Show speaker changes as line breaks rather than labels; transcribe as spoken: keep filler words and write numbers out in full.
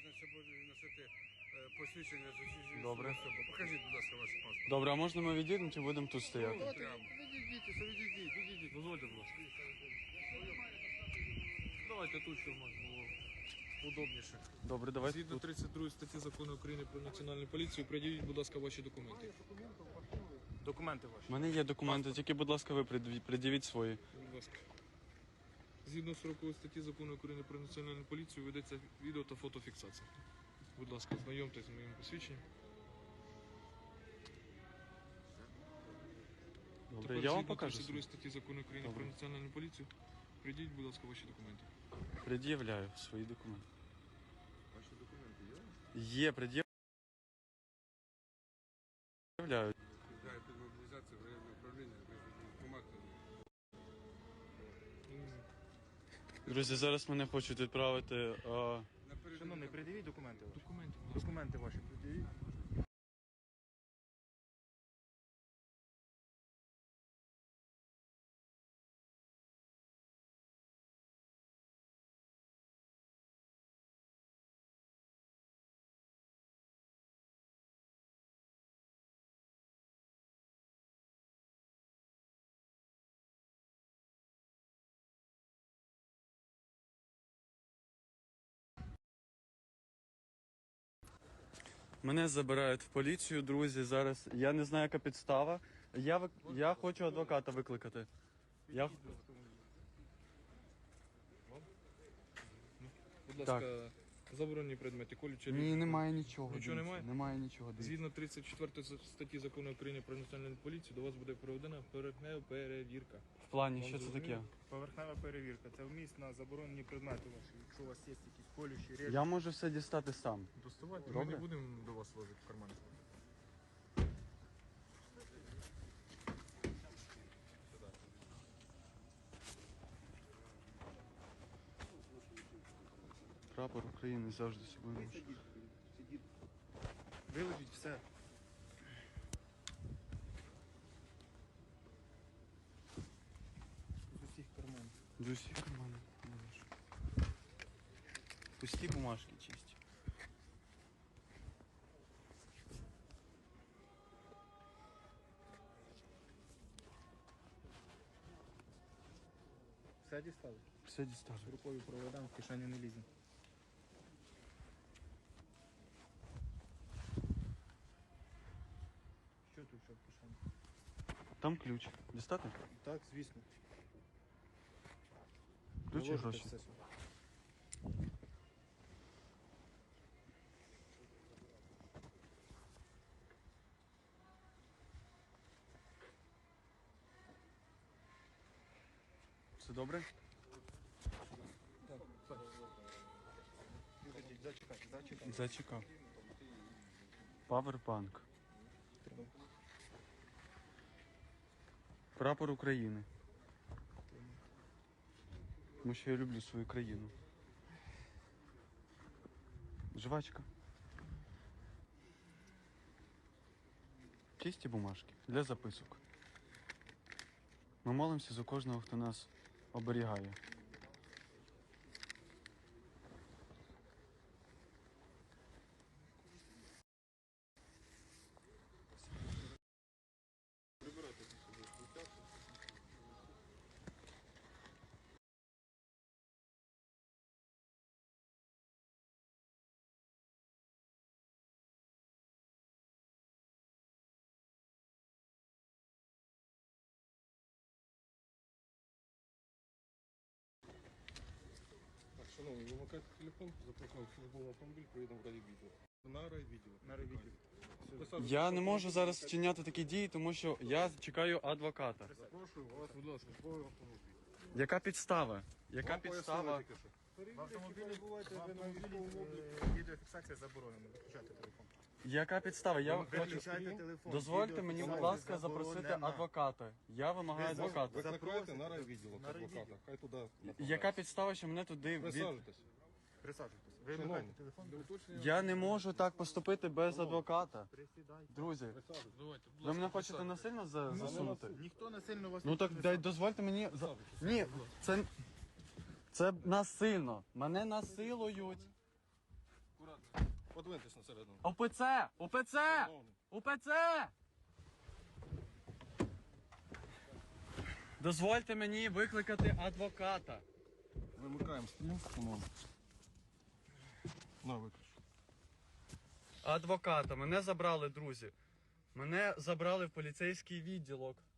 зобов'язаний ще буде носити е, посвідчення з усіх
Добре.
особи. Покажіть, будь ласка, ваш паспорт.
Добре, а можна ми відійдемо чи будемо тут стояти?
Прямо. Відійдіть, відійдіть, відійдіть.
Дозвольте, будь ласка. Давайте тут, щоб можна було удобніше. Добре, давайте
Згідно
тут.
тридцять другої статті Закону України про національну поліцію, приділіть, будь ласка, ваші документи.
Документи ваші.
У мене є документи, тільки, будь ласка, ви пред'явіть- пред'явіть свої.
Будь ласка. Згідно сорокової статті Закону України про національну поліцію ведеться відео та фотофіксація. Будь ласка, знайомтесь з моїм посвідченням.
Добре,
Тепер
я вам
згідно
покажу.
тридцять другої
свої.
статті Закону України
Добре.
про національну поліцію, приділіть, будь ласка, ваші документи.
Пред'являю свої документи.
Ваші документи є?
Є, пред'являю.
Підлягає під мобілізацію в районне управління, без військкомату.
Друзі, зараз мене хочуть відправити. А...
Шановний, придивіть документи ваші.
Документи, будь ласка.
Документи ваші придивіть.
Мене забирають в поліцію, друзі. Зараз я не знаю, яка підстава. Я вик... я хочу адвоката викликати. Я...
Будь ласка, заборонені предмети, колючі
Ні, немає нічого.
Нічого
дивіться,
немає?
Немає нічого. Дивіться.
Згідно тридцять четвертої статті Закону України про національну поліцію, до вас буде проведена поверхнева перевірка.
В плані,
Вам
що це таке?
зрозуміло?
Поверхнева перевірка. Це вміст на заборонені предмети ваші. Якщо у вас є якісь колючі речі.
Я можу все дістати сам.
Доставайте, ми
Добре.
не будемо до вас ложити в карман.
Прапор України завжди собою ношу.
Виложіть все. З усіх карманів.
З усіх карманів. ношу. Пусті бумажки чисті.
Все дістали?
Все дістали.
Рукою проведемо, в кишені не ліземо. Що тут що в кишені?
Там ключ. Дістати?
Так, звісно.
Ключ і
Виложите
гроші.
все сюди.
Все добре?
Виходіть, зачекайте, зачекайте.
Зачекав. Павербанк. Прапор України. Тому що я люблю свою країну. Жвачка. Чисті бумажки для записок. Ми молимося за кожного, хто нас оберігає.
Так, шановні, вимикайте телефон, запрошуємо в службовий автомобіль, приїдемо в райвідділ. На райвідділ.
На ревідіо.
Присаджуйтесь.
Я не можу зараз вчиняти такі дії, тому що я чекаю адвоката.
Запрошую вас, будь ласка, в службовий автомобіль.
Яка підстава? Яка
Вам
підстава?
пояснили тільки що.
В автомобілі, в автомобілі е, відеофіксація заборонена. Виключайте телефон.
Яка підстава? Я хочу...
Виключайте телефон.
Дозвольте мені, будь
Відеофіксація
ласка, запросити
заборонена.
адвоката. Я вимагаю
Ви
адвоката.
Викликайте на райвідділ
На
адвоката.
райвідділ.
Хай туди.
Яка підстава, що мене туди від...
Присаджуйтесь.
Присаджуйтесь. Ви
Шановні,
вимикайте телефон.
для уточнення-
Я не можу так поступити без адвоката.
Присідайте.
Друзі,
Присаджуйтесь.
Давайте, будь
ви
ласка,
мене хочете
присядьте.
насильно за- засунути?
Ніхто насильно вас
Ну
не
так
піднесе.
дай дозвольте мені... за- Ні, це... Це насильно. Мене насилують.
Акуратно. Подвиньтесь на середину.
ОПЦ! ОПЦ!
Шановний.
УПЦ! Дозвольте мені викликати адвоката.
Вимикаємо стрім, шановний. На, виключ.
Адвоката. Мене забрали, друзі. Мене забрали в поліцейський відділок.